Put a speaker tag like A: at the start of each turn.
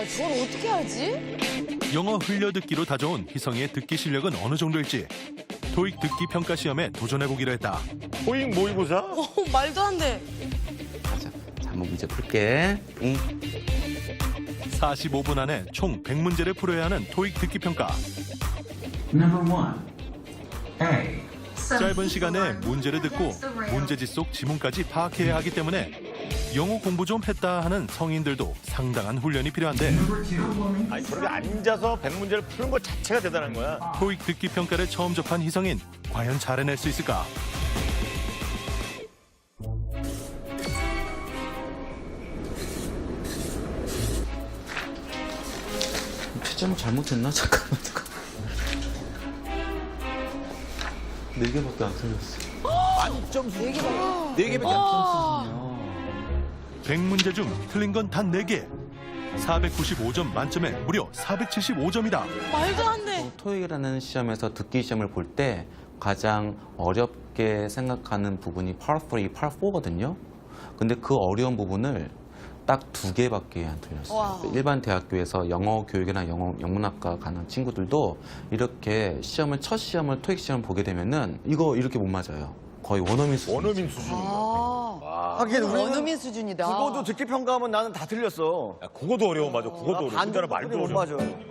A: 저걸 어떻게 하지?
B: 영어 흘려듣기로 다져온 희성이의 듣기 실력은 어느 정도일지 토익 듣기 평가 시험에 도전해보기로 했다.
C: 토익 모의고사?
A: 말도 안 돼.
D: 가자. 자, 한번 문제 풀게.
B: 45분 안에 총 100문제를 풀어야 하는 토익 듣기 평가.
E: Number 1. A.
B: 짧은 시간에 문제를 듣고 문제지 속 지문까지 파악해야 하기 때문에 영어 공부 좀 했다 하는 성인들도 상당한 훈련이 필요한데
E: Number 2.
C: 아니 저렇게 앉아서 100문제를 푸는 것 자체가 대단한 거야.
B: 토익 듣기 평가를 처음 접한 희성인 과연 잘해낼 수 있을까?
D: 채점을 잘못했나? 잠깐만. 4개밖에 안 틀렸어.
C: 만점 수준.
A: 4개밖에 안
B: 100문제 중 틀린 건 단 4개. 495점 만점에 무려 475점이다.
A: 말도 안 돼.
D: 토익이라는 시험에서 듣기 시험을 볼 때 가장 어렵게 생각하는 부분이 Part 3, Part 4거든요. 근데 그 어려운 부분을 딱 2개밖에 안 틀렸어요.
A: 와.
D: 일반 대학교에서 영어 교육이나 영문학과 가는 친구들도 이렇게 첫 시험을 토익 시험을 보게 되면은 이거 이렇게 못 맞아요. 거의 원어민 수준.
C: 원어민 수준.
F: 하긴 우리는
A: 원어민 수준이다.
F: 국어도 듣기 평가하면 나는 다 틀렸어.
C: 야, 국어도 어려워, 맞아. 국어도 어려워.
F: 반도
C: 우리나라 말도
F: 못
C: 어려워.
F: 맞아.